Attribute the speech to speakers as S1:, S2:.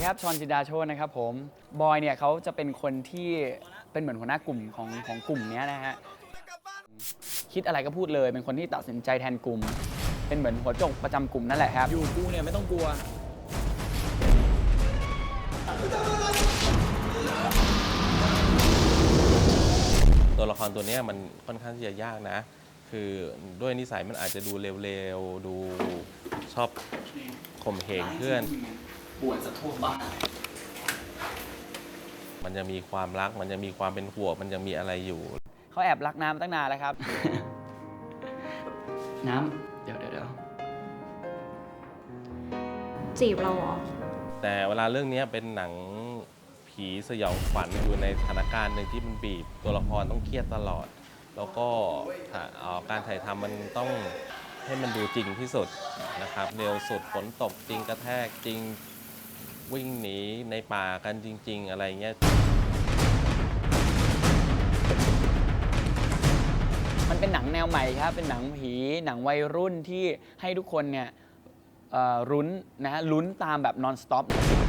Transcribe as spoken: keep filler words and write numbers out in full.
S1: ครับชอนจินดาโชตนะครับผมบอยเนี่ยเขาจะเป็นคนที่เป็นเหมือนหัวหน้ากลุ่มของของกลุ่มนี้นะฮะคิดอะไรก็พูดเลยเป็นคนที่ตัดสินใจแทนกลุ่มเป็นเหมือนหัวโจกประจำกลุ่มนั่นแหละครับ
S2: อยู่กูเนี่ยไม่ต้องกลัว
S3: ตัวละครตัวนี้มันค่อนข้างที่จะยากนะคือด้วยนิสัยมันอาจจะดูเร็วๆดูชอบข่มเหงเพื่อน
S1: ปวดสะทั่วบ้าน
S3: มันจะมีความรักมันจะมีความเป็นห่วงมันจะมีอะไรอยู่
S1: เขาแอบรักน้ำตั้งนานแล้วครับ น้ำเดี๋ยวเดี๋ยวเดี๋ยว
S4: จีบเราเหรอ
S3: แต่เวลาเรื่องนี้เป็นหนังผีสยองขวัญอยู่ในสถานการณ์หนึ่งที่มันบีบตัวละครต้องเครียดตลอดแล้วก็การถ่ายทำมันต้องให้มันดูจริงที่สุดนะครับเร็วสุดฝนตกจริงกระแทกจริงวิ่งหนีในป่ากันจริงๆอะไรเงี้ย
S1: มันเป็นหนังแนวใหม่ครับเป็นหนังผีหนังวัยรุ่นที่ให้ทุกคนเนี่ยรุ้นนะฮะลุ้นตามแบบ non stop